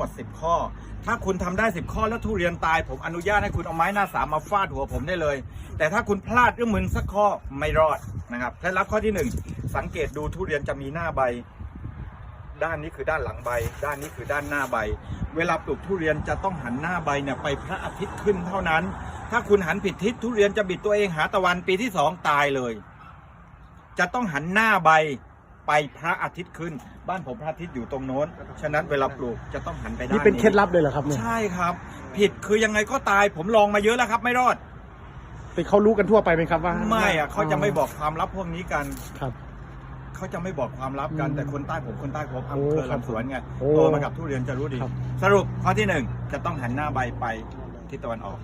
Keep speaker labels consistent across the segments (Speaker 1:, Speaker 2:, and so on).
Speaker 1: ด10 ข้อถ้าคุณทำได้10 ข้อแล้วทุเรียนตายผมอนุญาตให้คุณเอาไม้หน้าสามมาฟาดหัวผมได้เลยแต่ถ้าคุณพลาดหรือมึนสักข้อไม่รอดนะครับเคล็ดลับข้อที่1สังเกตดูทุเรียนจะมีหน้าใบด้านนี้คือด้านหลังใบด้านนี้คือด้านหน้าใบเวลาปลูกทุเรียนจะต้องหันหน้าใบเนี่ยไปพระอาทิตย์ขึ้นเท่านั้นถ้าคุณหันผิดทิศทุเรียนจะบิดตัวเองหาตะวันปีที่2ตายเลยจะต้องหันหน้าใบไปพระอาทิตย์ขึ้นบ้านผมพระอาทิตย์อยู่ตรงโน้นฉะนั้นเวลาปลูกจะต้องหันไปด้านนี้
Speaker 2: นี่เป็นเคล็ดลับเลยเหรอครับเนี่ย
Speaker 1: ใช่ครับผิดคือยังไงก็ตายผมลองมาเยอะแล้วครับไม่รอด
Speaker 2: แต่เขารู้กันทั่วไปไหมครับว่า
Speaker 1: ไม่อะเขาจะไม่บอกความลับพวกนี้กัน
Speaker 2: ครับ
Speaker 1: เขาจะไม่บอกความลับกันแต่คนใต้ผมอำเภอลำสวนไงโตมากับทุเรียนจะรู้ดีสรุปข้อที่1จะต้องหันหน้าใบไปทิศตะวันออก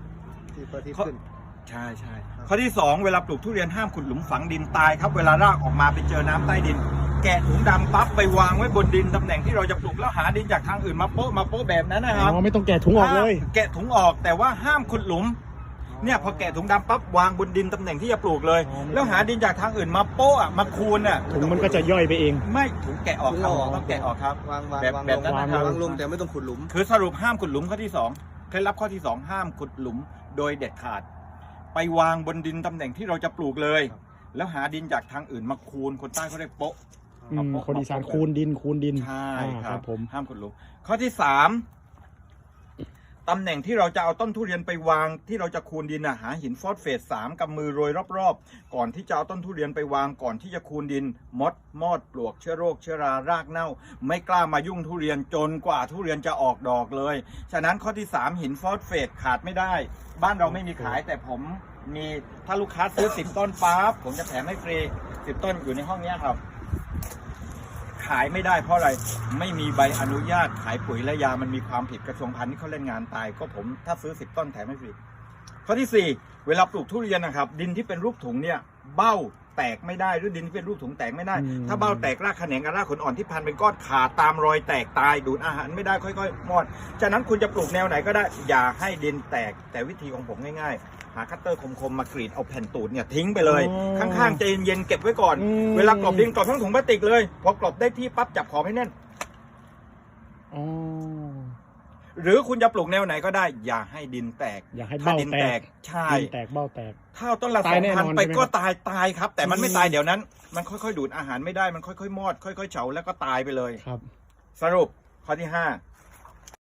Speaker 1: ใช่ข้อที่2เวลาปลูกทุเรียนห้ามขุดหลุมฝังดินตายครับเวลารากออกมาไปเจอน้ำใต้ดินแกะถุงดำปั๊บไปวางไว้บนดินตำแหน่งที่เราจะปลูกแล้วหาดินจากทางอื่นมาโป๊ะแบบนั้นนะครับ
Speaker 2: ไม่ต้องแกะถุงออกเลย
Speaker 1: แกะถุงออกแต่ว่าห้ามขุดหลุมเนี่ยพอแกะถุงดำปั๊บวางบนดินตำแหน่งที่จะปลูกเลยแล้วหาดินจากทางอื่นมาโป๊ะมาคูนอ่ะ
Speaker 2: ถุงมันก็จะย่อยไปเอง
Speaker 1: ไม่ถุงแกะออกครับต้องแกะออกครับแบบนั้นนะครับ
Speaker 3: วางลงแต่ไม่ต้องขุดหลุม
Speaker 1: คือสรุปห้ามขุดหลุมข้อที่2เคล็ดลับข้อที่2ห้ามขุดหลุมโดยเด็ดขาดไปวางบนดินตำแหน่งที่เราจะปลูกเลยแล้วหาดินจากทางอื่นมาคูนคนใต้เขาเรียกโป๊ะ
Speaker 2: คนอีสานคูนดิน
Speaker 1: ใช่ครับ
Speaker 2: ผม
Speaker 1: ห้ามขุดหลุมข้อที่3ตำแหน่งที่เราจะเอาต้นทุเรียนไปวางที่เราจะคูนดินหาหินฟอสเฟต3กำมือโรยรอบๆก่อนที่จะเอาต้นทุเรียนไปวางก่อนที่จะคูนดินมอดปลวกเชื้อโรคเชื้อรารากเน่าไม่กล้ามายุ่งทุเรียนจนกว่าทุเรียนจะออกดอกเลยฉะนั้นข้อที่3หินฟอสเฟตขาดไม่ได้บ้านเราไม่มีขายแต่ผมมีถ้าลูกค้าซื้อ10 ต้นปั๊บผมจะแถมให้ฟรี10 ต้นอยู่ในห้องนี้ครับขายไม่ได้เพราะอะไรไม่มีใบอนุญาตขายปุ๋ยและยามันมีความผิดกระทรวงพาณิชย์เขาเล่นงานตายก็ผมถ้าซื้อ10 ต้นแถมให้ฟรีข้อที่4เวลาปลูกทุเรียนนะครับดินที่เป็นรูปถุงเนี่ยเบ้าแตกไม่ได้หรือดินที่เป็นรูปถุงแตกไม่ได้ถ้าเบ้าแตกรากแขนงกับรากขนอ่อนที่พันเป็นก้อนขาดตามรอยแตกตายดูดอาหารไม่ได้ค่อยๆมอดฉะนั้นคุณจะปลูกแนวไหนก็ได้อย่าให้ดินแตกแต่วิธีของผมง่ายๆหาคัตเตอร์คมๆมากรีดเอาแผ่นตูดเนี่ยทิ้งไปเลยข้างๆใจเย็นๆเก็บไว้ก่อนเวลากรอบดินกรอบทั้งถุงพลาสติกเลยพอกรอบได้ที่ปั๊บจับขอบให้แน่นหรือคุณจะปลูกแนวไหนก็ได้อย่าให้ดินแตก
Speaker 2: อย่าให้เบ้าแตก
Speaker 1: ใช่
Speaker 2: ดินแตกเบ้าแตก
Speaker 1: ถ้าต้นละ2,000ไปก็ตายครับแต่มันไม่ตายเดี๋ยวนั้นมันค่อยๆดูดอาหารไม่ได้มันค่อยๆมอดค่อยๆเฉาแล้วก็ตายไปเลย
Speaker 2: ครับ
Speaker 1: สรุปข้อที่